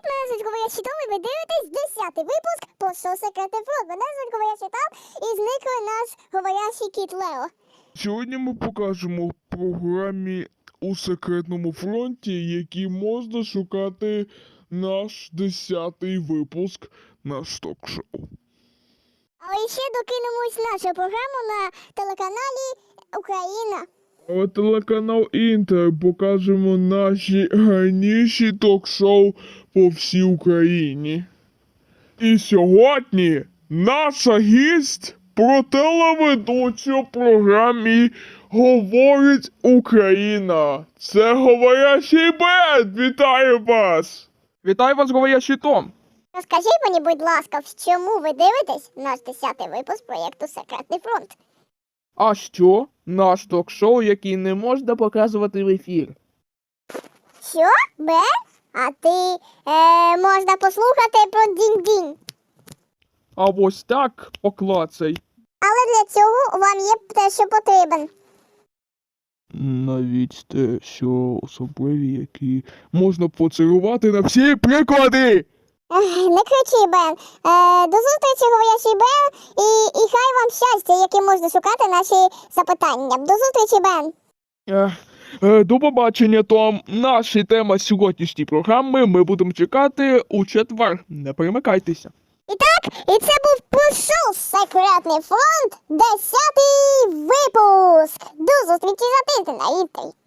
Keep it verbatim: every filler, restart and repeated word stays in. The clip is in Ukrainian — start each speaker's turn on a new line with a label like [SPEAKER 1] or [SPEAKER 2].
[SPEAKER 1] Привіт, мене звуть Говорящий Том, і ви дивитесь десятий випуск по «Що секретний фронт». Мене звуть Говорящий Том, і зникли наш говорящий кіт Лео.
[SPEAKER 2] Сьогодні ми покажемо в програмі у секретному фронті, які можна шукати наш десятий випуск наш ток-шоу.
[SPEAKER 1] Але ще докинемось нашу програму на телеканалі Україна.
[SPEAKER 2] Але телеканал Інтер покажемо наші гарніші ток-шоу по всій Україні. І сьогодні наша гість про телеведучу в програмі «Говорить Україна». Це Говорящий Бен! Вітаю вас!
[SPEAKER 3] Вітаю вас, Говорящий Том!
[SPEAKER 1] Розкажіть мені, будь ласка, чому ви дивитесь наш десятий випуск проєкту «Секретний фронт»?
[SPEAKER 3] А що? Наш ток-шоу, який не можна показувати в ефір.
[SPEAKER 1] Що? Бен? А ти, е, можна послухати про дінь-дінь.
[SPEAKER 3] А ось так поклацай.
[SPEAKER 1] Але для цього вам є те, що потрібен.
[SPEAKER 3] Навіть те, що особливі, які можна поцілувати на всі приклади!
[SPEAKER 1] Ех, не кричи, Бен. Е, до зустрічі, говорящий Бен, і, і хай вам щастя, яким можна шукати наші запитання. До зустрічі, Бен.
[SPEAKER 3] Ех, е, До побачення, Том. Наша тема сьогоднішньої програми ми будемо чекати у четвер. Не перемикайтеся.
[SPEAKER 1] І так, і це був «Пішов секретний фронт», десятий випуск. До зустрічі за тиждень на Інтері.